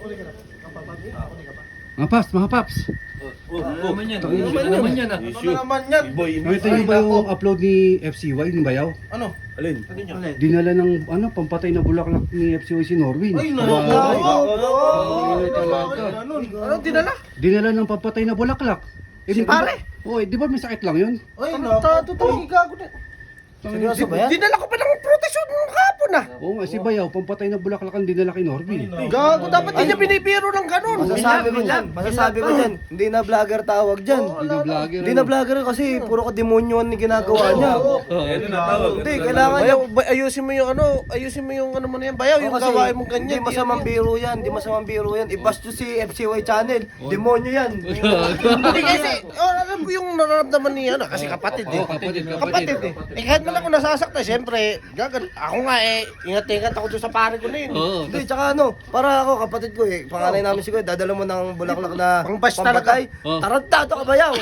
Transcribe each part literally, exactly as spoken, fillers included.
Mga paps, mga paps. Oh, ano naman yan? Ano Ano naman yan ah? Ano naman yan? Nakita niyo ba yung upload ni F C Y, ni Bayaw? Ano? Alin? Dinala ng ano, pampatay na bulaklak ni F C Y si Norwin. Ay, Wow. nako! Talaga. Ano dinala? Dinala ng pampatay na bulaklak. Eh, di ba- pare? Oh, eh, di ba may sakit lang yun? Ay, nako! Totoo, gago na. Seryoso ba yan? Dinala ko pa ng protection ng hapon ah! Oo nga, si Bayaw, pampatay na bulaklak ang dinala kay Norvin. Gago, dapat hindi niya binibiro ng ganun! Masasabi ko dyan, masasabi ko dyan, hindi na vlogger tawag dyan. Hindi na vlogger. Hindi na vlogger kasi puro ka demonyo ang ginagawa niya. Ano na tawag? Hindi, kailangan niya, ba- ayusin mo yung ano, ayusin mo yung ano mo na yan, bayaw, yung Kasi gawain mo Hindi ganyan. masamang biro yan, hindi masamang biro yan. I-bash nyo si F C Y channel, demonyo yan. Hindi kasi, oh, alam ko yung nararamdaman niya, ano, kasi kapatid eh. Oo, kapatid, Kapatid eh. Eh kahit man ako nasasaktan, syempre, gagan, ako nga eh, ingat-ingat ako doon sa pare ko na yun. Oo. Hindi, tsaka ano, para ako, kapatid ko eh, panganay namin si Kuya, dadala mo ng bulaklak na Pang-bash pampatay. Oh. Tarantado ka ba yaw?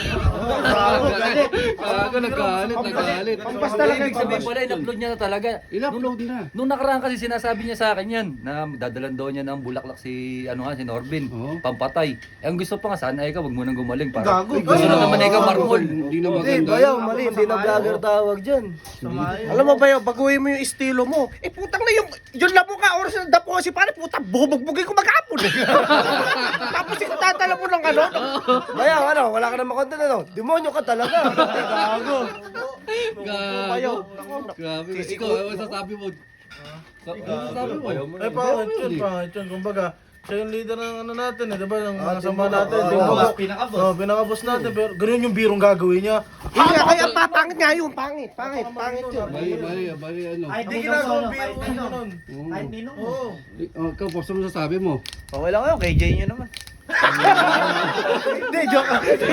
Kaga, nagkalit, nagkalit. Pampas Talaga, talaga. ibig sabihin pala, in-upload niya na talaga. In-upload na. Nung nakaraan kasi sinasabi niya sa akin yan, na dadalan daw niya ng bulaklak si, ano nga, si Norbin, Oo. pampatay. Eh, ang gusto pa nga, sana ikaw, wag mo nang gumaling. Para, Gago. gusto na naman ikaw marmol. Hindi na Hindi, maganda. bayaw, mali, hindi na vlogger tawag dyan. Alam mo ba yun, baguhin mo yung estilo mo. Eh putang na yung, yung labo ka, oras na dapo si pare, putang bubugbugin ko mag-apon eh. Tapos ikaw tatala mo ng ano. Bayaw, ano, wala ka na makontent ano, demonyo ka talaga. Gago. Gago. Grabe. Ikaw, ano sasabi mo? Sa- Ano sasabi mo? Ay, pangit yun, pangit yun. Kumbaga, siya yung leader ng ano natin eh, di ba? Ng mga Ah, sama Timbuk. natin. Ah, Timbuk. ah, pinaka-boss. Oh, pinaka-boss natin. Pero ganun yung birong gagawin niya. Hindi nga, kaya pa, pangit nga yun, pangit, pangit, pangit yun. Mali, mali, mali, ano? Hindi ginagawang biro yung ganun. Oo. Oo. Oh, ikaw, Pops, ano sasabi mo? Okay lang kayo, K J nyo naman. Hindi, joke.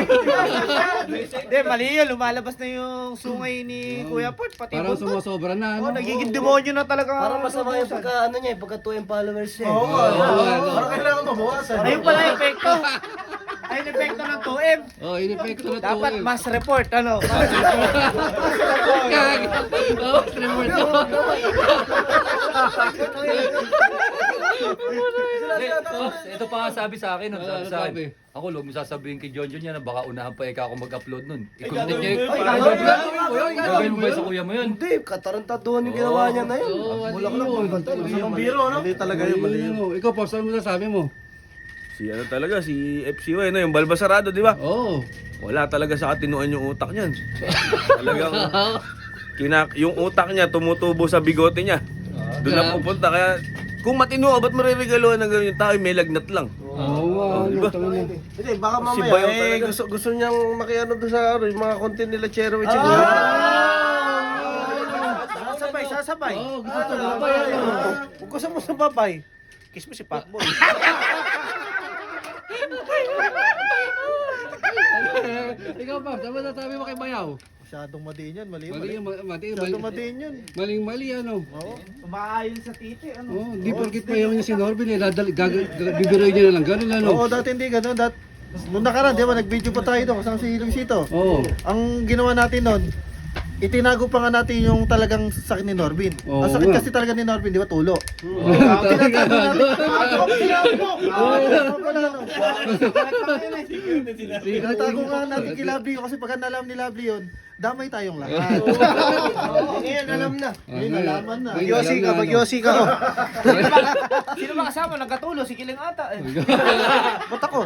Hindi, mali yun. Lumalabas na yung sungay ni Kuya Pot. Pati Parang buntot. sumasobra na, Oh, ano? nagiging demonyo na talaga. Parang masama yung pagka, ano niya, eh, pagka two M followers niya. Oo eh. nga. Oo, ano? Parang kailangan mabawasan. Ayun pala yung epekto. Ayun yung epekto ng two M. Oh, in-effect na to. Dapat eh. mass report, ano? Gag. Oh, report to. Oh, ito pa nga sabi sa akin, nun, sabi Ano sa sabi? akin. Ako, huwag mo sasabihin kay John John yan na baka unahan pa ikaw ako mag-upload nun. I-content niya yung... Ay, gagawin mo yun, Gagawin mo ba sa kuya mo yun? Hindi, katarantaduhan yung ginawa niya na yun. Oo, ano Bulaklak yun? ng bantay. Yung biro, no? Mali talaga yun, mali yun. Ano? Ikaw, Pops, ano sasabi mo? Si ano talaga, si F C Y, no? Yung Balbasarado, di ba? Oo. Wala talaga sa katinuan yung utak niyan. Talagang, kina, yung utak niya tumutubo sa bigote niya. Doon na pupunta, kaya kung matino, ba't mariregaluhan ng ganyan yung tao, may lagnat lang. Oo nga, ano, Diba? tama na. Hindi, baka Si mamaya, Bayaw eh, talaga. gusto, gusto niyang makiano doon sa ano, yung mga content nila Chero with Sasabay, sasabay. Oo, gusto ko na ba Sabay, yan? ano? Kung gusto mo sumabay, kiss mo si Pacboy. Ikaw, Pops, ano sasabi mo kay Bayaw? Masyadong madiin yan, mali, Mali, mali. yung ma- mali, Masyadong mali. madiin yan. Maling mali, ano? Umaayon sa titi, ano? Oh, di porkit Bayaw niya si Norbin, eh, dadal, gag- gag- bibiroy niya na lang, ganun, ano? Oo, dati hindi ganun. Dat Nung nakaraan, di ba, nag-video pa tayo doon kasama si Luisito. Oo. Ang ginawa natin noon, itinago pa nga natin yung talagang sakit ni Norbin. Oo Ang sakit nga. kasi talaga ni Norbin, di ba, tulo. Talaga, ano? Tinatago nga natin kay Lovely yun kasi pagka nalam ni Lovely yun, damay tayong lahat. Ngayon, alam na. Ngayon, nalaman na. Ngayon, Yossi ka, alam na, mag-Yossi ka. oh. Sino ba kasama? Nagkatulo, si Kiling ata eh. Ba't ako?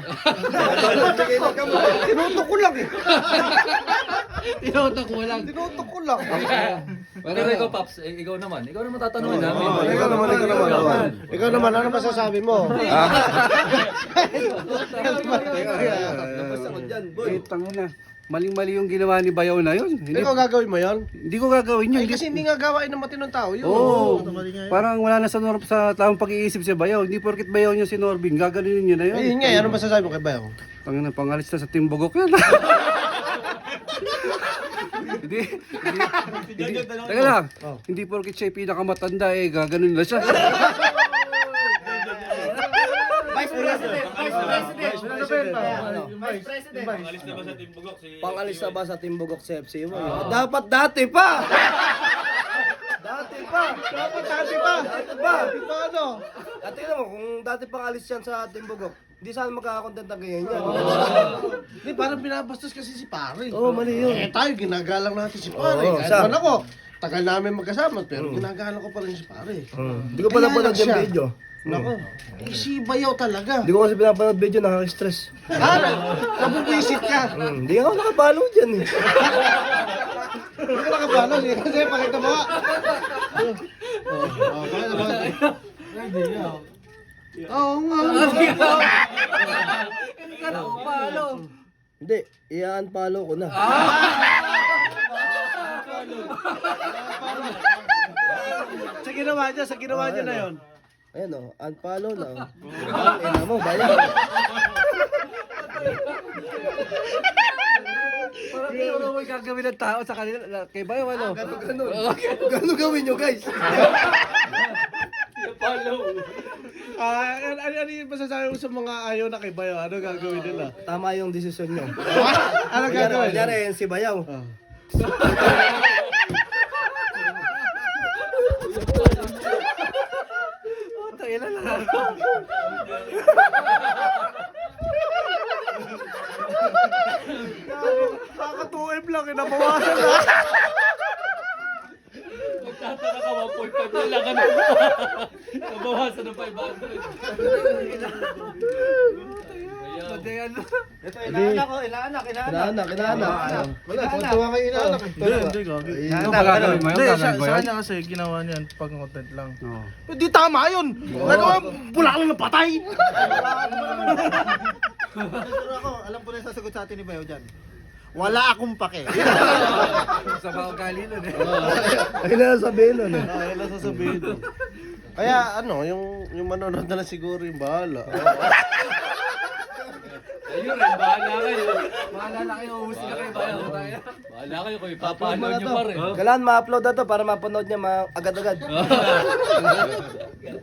Tinutok ko lang eh. Tinotok mo lang. Tinutok ko lang. Pero ikaw, Paps, eh, ikaw naman. Ikaw naman tatanungin namin. Ikaw naman, ikaw naman. oh. Ikaw naman, ano masasabi mo? Eh, tangina. Maling-mali yung ginawa ni Bayaw na yun. Hindi, Ikaw gagawin mo yan? hindi ko gagawin yun. Ay, kasi hindi nga gawain ng matinong tao yun. Oo. Mali nga yun. Parang wala na sa, nor- sa taong pag-iisip si Bayaw. Hindi porkit Bayaw niya si Norbin, gaganunin niya na yun. Ayun nga, ano masasabi mo kay Bayaw? Tangina, pangalis na sa Timbogok yan. Hindi, hindi, hindi, teka lang, hindi porkit siya yung pinakamatanda eh, gaganunin na siya. Vice President, Vice President. Ano ba yun? Ano? Vice President. Pangalis na ba sa Timbogok sa F C mo? Dapat dati pa! Dati Dati pa. Dapat dati pa. Dati pa. Ito ano? At tingnan mo, kung dati pang alis yan sa Timbogok, hindi sana magkakakontent ang ganyan yan. Hindi, parang binabastos kasi si pare. Oo, mali yun. Eh tayo, ginagalang natin si pare. Oo, Kahit sa- man ako, tagal namin magkasama, pero ginagalang ko pa rin si pare. Hindi ko pa Kaya napanood lang yung siya. video. Nako, eh, si Bayaw talaga. Hindi ko kasi pinapanood video, nakaka-stress. Ah, nabubwisit ka. Hmm, Hindi ako nakapalo dyan eh. Hindi ka nakabalo. eh. Kasi pakita mo nga. Oh, oh, pakita mo. Hindi nga. Oo nga. Hindi ka nakapalo. Hindi, i-unfollow ko na. Sa ginawa niya, sa ginawa niya na yun. Ayan o, unfollow na. Ang ina mo, bayan. Parang tinuro mo yung gagawin ng tao sa kanila. na- Kay Bayo, ano? Ganun, ganun. Ganun gawin nyo, guys. Ah, ano, ano, ano yung masasabi mo sa mga ayaw na kay Bayaw? Ano gagawin nila? Tama yung desisyon nyo. Ano gagawin? Kunyari, si Bayaw. Ah. Puta, ilan lang. Kaka two M lang, inabawasan na. Magtataka ka, one point five na lang ano. Nabawasan ng five hundred. Pati ano. Ito, inaanak ko, inaanak, inaanak. Kinaanak, kinaanak. Wala, tuwa kayo inaanak. Hindi, hindi, gagi. Ano ba gagawin mo? Hindi, Yung sa, gagawin mo sa yun? kanya kasi ginawa niya yan pag content lang. Oo. Hindi tama yun. Nagawa, bulak lang ng patay. Siguro ako, alam ko na yung sasagot sa atin ni Bayo dyan. Wala akong pake. Sa mga ugali nun eh. Ayun na sabihin nun eh. Ah, yan ang sasabihin. Kaya ano, yung yung manonood na lang siguro yung bahala. Ayun, eh, bahala kayo. Maalala kayo, uhusin na kayo Bayo. Bahala kayo kung ipapanood nyo pa rin. Kailangan ma-upload na to para mapanood niya ma- agad-agad.